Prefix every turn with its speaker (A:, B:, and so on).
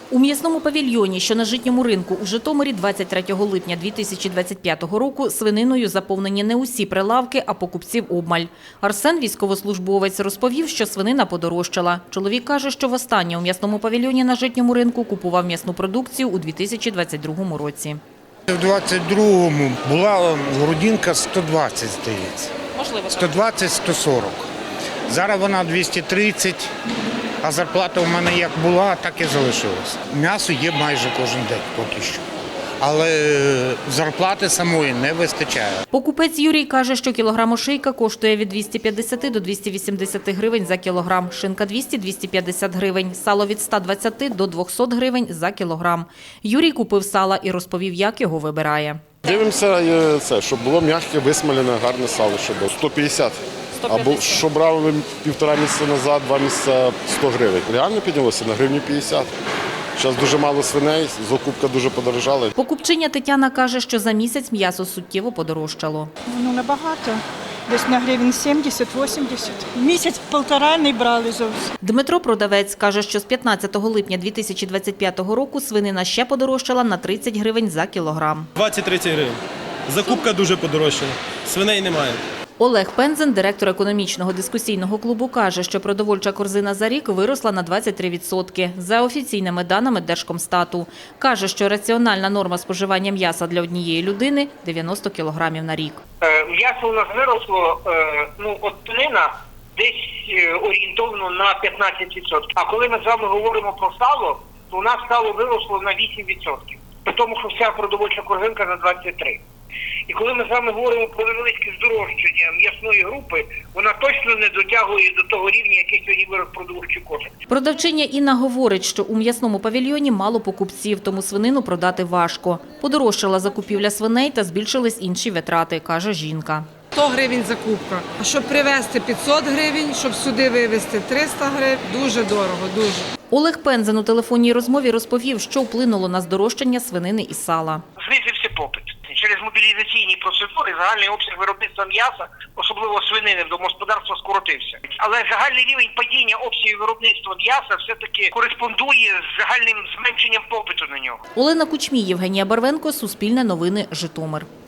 A: У м'ясному павільйоні, що на Житньому ринку у Житомирі 23 липня 2025 року свининою заповнені не усі прилавки, а покупців обмаль. Арсен, військовослужбовець, розповів, що свинина подорожчала. Чоловік каже, що востаннє у м'ясному павільйоні на Житньому ринку купував м'ясну продукцію у 2022 році.
B: У 22-му була грудинка 120, здається.
A: Можливо.
B: 120-140. Зараз вона 230, а зарплата у мене як була, так і залишилась. М'ясо є майже кожен день поки що. Але зарплати самої не вистачає.
A: Покупець Юрій каже, що кілограм ошейка коштує від 250 до 280 гривень за кілограм, шинка 200-250 гривень, сало від 120 до 200 гривень за кілограм. Юрій купив сала і розповів, як його вибирає.
C: Дивимося, щоб було м'яке, висмалене, гарне сало, щоб було 150. Або що брали півтора місяця назад, 2 місяці 100 гривень. Реально піднялося на гривню 50. Зараз дуже мало свиней, закупка дуже подорожала.
A: Покупчиня Тетяна каже, що за місяць м'ясо суттєво подорожчало.
D: Набагато. Десь на гривень 70-80. Місяць-півтора не брали зовсім.
A: Дмитро, продавець, каже, що з 15 липня 2025 року свинина ще подорожчала на 30 гривень за кілограм.
E: 20-30 гривень. Закупка дуже подорожчала. Свиней немає.
A: Олег Пензен, директор економічного дискусійного клубу, каже, що продовольча корзина за рік виросла на 23%, за офіційними даними Держкомстату. Каже, що раціональна норма споживання м'яса для однієї людини – 90 кілограмів на рік.
F: М'ясо у нас виросло, от тонина десь орієнтовно на 15%. А коли ми з вами говоримо про сало, то у нас сало виросло на 8%. При тому, що вся продовольча корзинка на 23%. І коли ми з вами говоримо про невеличке здорожчання м'ясної групи, вона точно не дотягує до того рівня, який сьогодні вирос продовольчий кошик.
A: Продавчиня Інна говорить, що у м'ясному павільйоні мало покупців, тому свинину продати важко. Подорожчала закупівля свиней та збільшились інші витрати, каже жінка.
G: 100 гривень закупка. А щоб привезти 500 гривень, щоб сюди вивезти 300 гривень, дуже дорого, дуже.
A: Олег Пензен у телефонній розмові розповів, що вплинуло на здорожчання свинини і сала.
F: Знизився попит. Через мобілізаційні процедури загальний обсяг виробництва м'яса, особливо свинини в домогосподарства, скоротився. Але загальний рівень падіння обсягів виробництва м'яса все-таки кореспондує з загальним зменшенням попиту на нього.
A: Олена Кучмій, Євгенія Барвенко, Суспільне новини, Житомир.